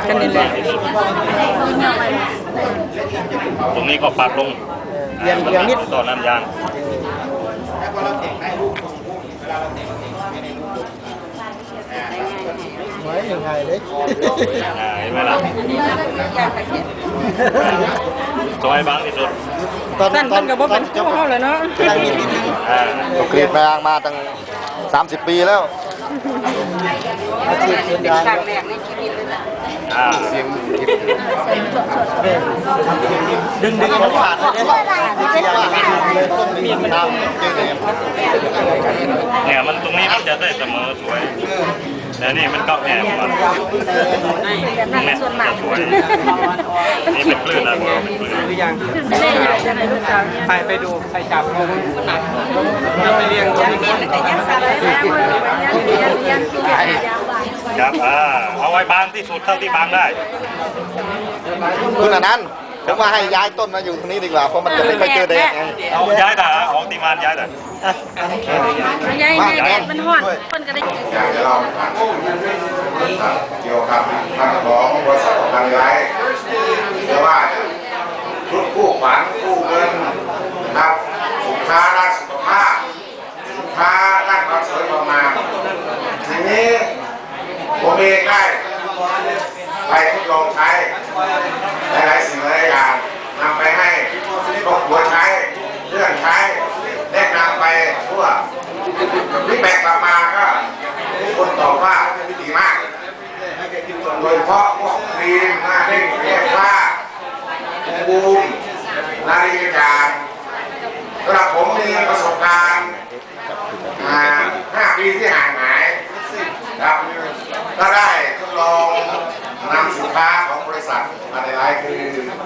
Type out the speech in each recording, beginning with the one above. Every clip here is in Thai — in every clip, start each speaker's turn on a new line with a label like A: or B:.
A: กันนี่แหละ
B: ตรงนี้ก็ปักลง
C: เรียงนิด
B: ต่อน้ำยาง
C: ไว้ยังไงเล็ก
B: เห็นไหมล่ะซอยบางที่สุด
A: สั้นกับว่าเป็นพวกเขาเลยเนาะ
D: กรีดแมงมาตั้ง30 ปีแล้ว
C: อาชีพเดินทาง
A: ครั้งแรกในชีวิตเลยนะ
D: เสียง
C: ดึงมันขาดเลยเนี่ยต้นมีมันดำ
B: เนี่ยมันตรงนี้มันจะได้เสมอสวยแต่นี่มันก็แอบมาเนี่ยสวยนี่เป็นคลื่นนะเป็นคลื่น
C: หรือยังไปดูไปจับไปเลี้ยง
B: ครับเอาไว้บางที่สุดเท่าที่บางได้
D: คุณอนันต์ผมว่าให้ย้ายต้นมาอยู่ตรงนี้ดีกว่าเพราะมันจะไม่ค่อยเจอแดด
B: เอาย้ายแต่ของตีมานย้ายแต่
A: ย้ายแดดมันห่อนคนก็ได้
E: อยากจะเล่าเกี่ยวกับทางของบริษัททางย้ายเรียกว่าชุดกู้ขวัญกู้เงินนะครับสินค้าด้านสุขภาพสินค้าด้านความสวยความงามทีนี้ผมเองได้ไปทดลองใช้หลายสิ่งหลายอย่างนำไปให้ครอบครัวใช้เพื่อนใช้แนะนำไปทั่วที่แบกกลับมาก็ทุกคนตอบว่าดีมากโดยเฉพาะพวกครีมหน้าเด้งเรียกว่าบูมนาฬิกาสำหรับผมมีประสบการณ์5 ปีที่ห่างหายครับก็ได้ทดลองนำสินค้าของบริษัทมาในไลน์คือ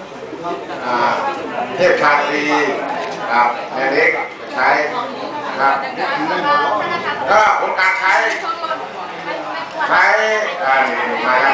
E: เทพชาตรีครับแม่เล็กใช้ครับก็ผลการใช้มาแล้ว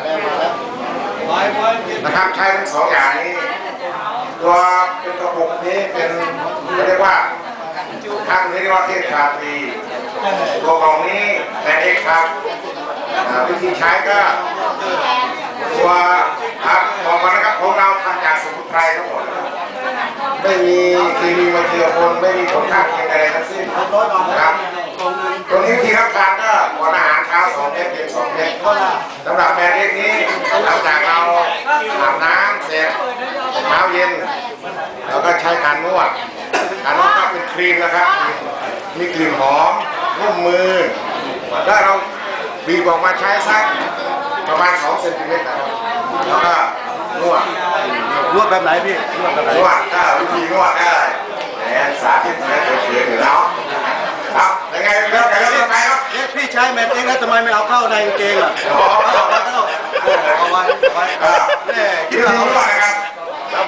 E: นะครับใช้ทั้ง2 อย่างนี้ตัวเป็นกระปุกนี้เป็นเรียกว่าข้างนี้เรียกว่าเทพชาตรีตัวกล่องนี้แม่เล็กครับวิธีใช้ก็ตัวบอกมานะครับของเราทำจากสมุนไพรทั้งหมดไม่มีเคมีมาเจือปนไม่มีผลข้างเคียงใดทั้งสิ้นนะครับตัวนี้ที่รับทานก็ก่อนอาหารเช้า2 เม็ดเย็น2 เม็ดสำหรับแบรนด์เล็กนี้หลังจากเราอาบน้ำเสร็จเช้าเย็นเราก็ใช้การนวดก็เป็นครีมนะครับมีกลิ่นหอมนุ่มมือถ้าเราบีบออกมาใช้สักประมาณ2 เซนติเมตรนะครับแล้วก็นวดแบบไหนพี่นวดก็วิธีนวดได้สาธิตให้เกิดอยู่แล้วครับยังไงเริ่มไปครับ
C: พี่ใช้แมทเองแล้วทำไมไม่เอาเข้าในกางเกงอ่ะเอาไว้
E: คิดว่าเขาว่านะครับแล้ว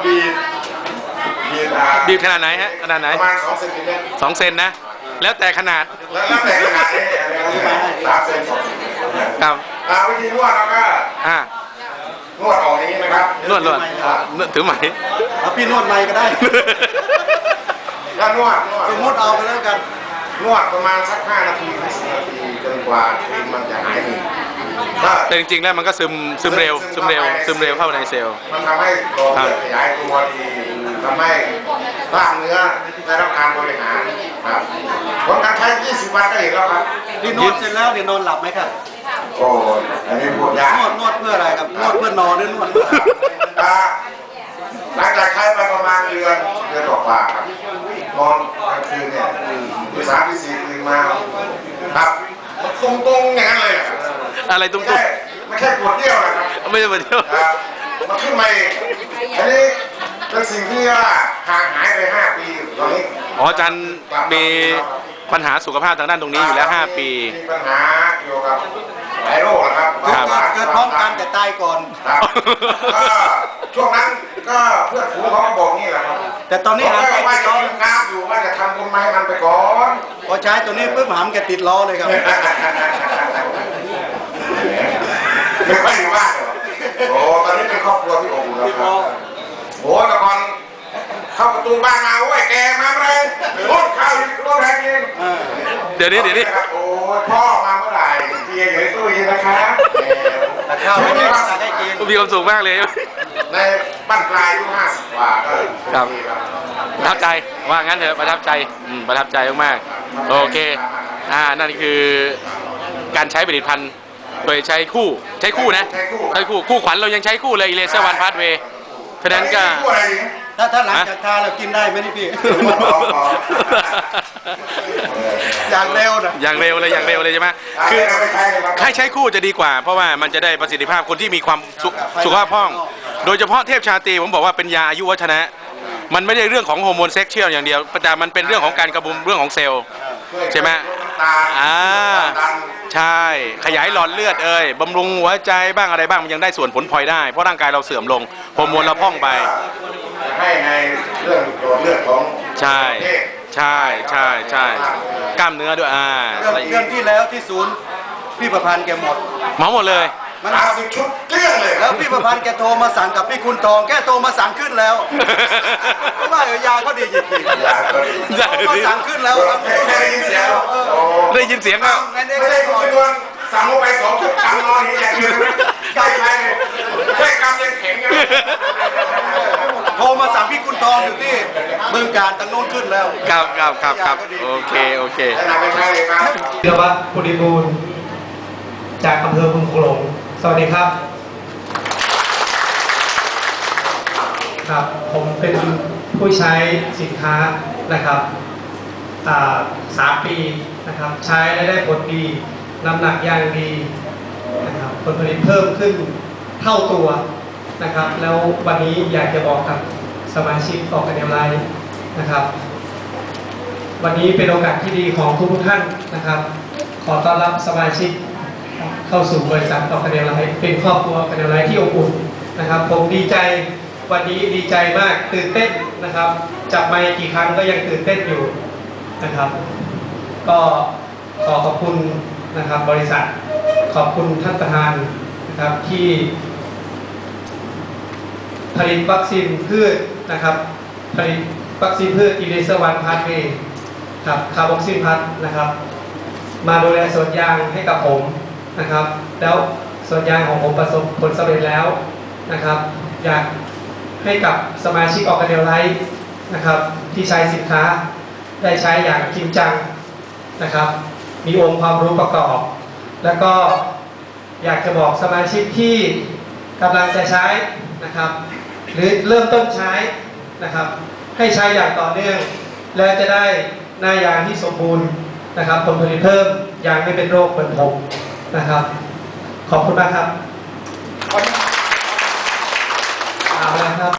F: บีบขนาดไหนฮะขนาดไหน
E: ประมาณ2 เซนติเมตร
F: 2 เซนนะแล้วแต่ขนาด
E: แล้วแต่ขนาดนี้3 เซน 2 เซน
F: ครับ
E: วิธีนวดเราก็นวดออกอย่างนี้นะครับ
F: นวดถือไหม
C: เอาพี่นวดในก็ได้
E: ก็นวด
C: สมมติเอาไปแล้วกัน
E: นวดประมาณสัก5 นาทีถึง10 นาทีจนกว่าครีมมันจะหายหนี
F: แต่จริงๆแล้วมันก็ซึมเร็วเข้าในเซลล์
E: มันทำให้หลอดเลือดขยายตัวดีทำให้กล้ามเนื้อได้รับการบริหารครับผลการใช้20 วันก็เห็นแล้วครับ
C: นี่นวดเสร็จแล้วเนี่ยนอนหลับไหมครับ
E: โอ้ยอันนี้พูดยาก
C: นวดเพื่ออะไรครับนวดเพื่อนอนหรือนวด
E: หลังจากใช้ไปประมาณเดือนกว่าครับนอนกลางคืนเนี่ยตี 3 ตี 4ตื่นมาครับตรงอย่างนั้นเลย
F: อะไรตรง
E: ไม่ใช่ปวดเยี่ยวนะครับ
F: ไม่ใช่ปวดเยี่ยว
E: มันขึ้นมาเองอันนี้เป็นสิ่งที่ว่าห่างหายไป5 ปีตอนนี้
F: อาจารย์มีปัญหาสุขภาพทางด้านตรงนี้อยู่แล้ว5 ปี
E: มีปัญหาเกี่ยวกับหลายโรคนะครับ
C: เกิดพร้อมกันแต่ตายก่อน
E: ก็ช่วงนั้นก็เพื่อนฝูงเขาบอกนี่แหละครับ
C: แต่ตอนนี้
E: หามว่าจะกินน้ำอยู่ว่าจะทำบุญไม้มันไปก่อน
C: พอใช้ตัวนี้ปุ๊บหามแกติดล้อเลยครับ
E: ไม่ค่อยอยู่บ้านเหรอโอ้ตอนนี้เป็นครอบครัวที่อบอุ่นแล้วครับโอ้แต่ก่อนเข้าประตูบ้านมาโอ้ยแกมาเลยรถข้าวรถแรงกิน
F: เดี๋ยวนี้
E: โอ้พ่อมาเมื่อไหร่เกียร์อยู่ในตู้เย็นนะครับ
C: แต่ข้าวไม่ได้สั่งให้กิน
F: มีความสุขมากเลย
E: ในบ้านปลายอายุ50 กว่าก็
F: ครับ ประทับใจว่างั้นเถอะประทับใจประทับใจมากๆโอเคนั่นคือการใช้ผลิตภัณฑ์โดยใช้คู่นะใช้คู่ขวัญเรายังใช้คู่เลยเลเซอร์วันพาสเวย์ฉะนั้นก็
C: ถ้าหลังจากทาเรากินได้ไหมนี่พี่ อย่างเร็วนะ
F: อย่างเร็วเลยใช่ไหมคือให้ใช้คู่จะดีกว่าเพราะว่ามันจะได้ประสิทธิภาพคนที่มีความสุขภาพพร่องโดยเฉพาะเทพชาตรีผมบอกว่าเป็นยาอายุวัฒนะมันไม่ได้เรื่องของฮอร์โมนเซ็กชวลอย่างเดียวแต่มันเป็นเรื่องของการกระบุมเรื่องของเซลล์ใช่ไหมใช่ขยายหลอดเลือดบำรุงหัวใจบ้างอะไรบ้างมันยังได้ส่วนผลพลอยได้เพราะร่างกายเราเสื่อมลงฮอร์โมนเราพร่องไป
E: ให้ในเรื่องหลอดเลือดของ
F: ใช่กล้ามเนื้อด้วย
C: เรื่องที่แล้วที่ศูนย์พี่ประพันธ์แกหมดเลย
E: มัน30 ชุดเกลี้ยงเลย
C: แล้วพี่ประพันธ์แกโทรมาสั่งกับพี่คุณทองแกโทรมาสั่งขึ้นแล้วเพราะว่ายาก็ดีจริงๆมาสั่งขึ้นแล้ว
F: ได้ยินเสียงแล้ว
E: ไม่ได้คุณดวงสั่งลงไป2 ชุดกำนอนอย่างเดียวใกล้ไปเลยแค่กำยังแข็งอยู่
C: โทรมาสั่งพี่คุณทองอยู่ที่เมืองการตั้งโน้นขึ้นแล้ว
F: ครับโอเค
C: ธีรวัฒน์ปุริบูรณ์จากอำเภอบึงโขงสวัสดีครับผมเป็นผู้ใช้สินค้านะครับ3 ปีนะครับใช้และได้ผลดีน้ำหนักอย่างดีนะครับผลผลิตเพิ่มขึ้นเท่าตัวนะครับแล้ววันนี้อยากจะบอกกับสมาชิกออกกันอย่างไรนะครับวันนี้เป็นโอกาสที่ดีของทุกท่านนะครับขอต้อนรับสมาชิกเข้าสู่บริษัทออกกันอย่างไรเป็นครอบครัวกันอย่างไรที่อบอุ่นนะครับผมดีใจวันนี้ดีใจมากตื่นเต้นนะครับจับไมค์กี่ครั้งก็ยังตื่นเต้นอยู่นะครับก็ขอบคุณนะครับบริษัทขอบคุณท่านประธานนะครับที่ผลิตวัคซีนพืชนะครับผลิตวัคซีนพืชอีเลเซอร์วันพาสเวย์ครับคาร์บอกซินพัทนะครับมาดูแลสวนยางให้กับผมนะครับแล้วสวนยางของผมประสบผลสำเร็จแล้วนะครับอยากให้กับสมาชิกออกกันเดลไลท์นะครับที่ใช้สินค้าได้ใช้อย่างจริงจังนะครับมีองค์ความรู้ประกอบแล้วก็อยากจะบอกสมาชิกที่กำลังจะใช้นะครับหรือเริ่มต้นใช้นะครับให้ใช้อย่างต่อเนื่องแล้วจะได้หน้ายางที่สมบูรณ์นะครับผลผลิตเพิ่มยางไม่เป็นโรคเหมือนผมนะครับขอบคุณมากครับ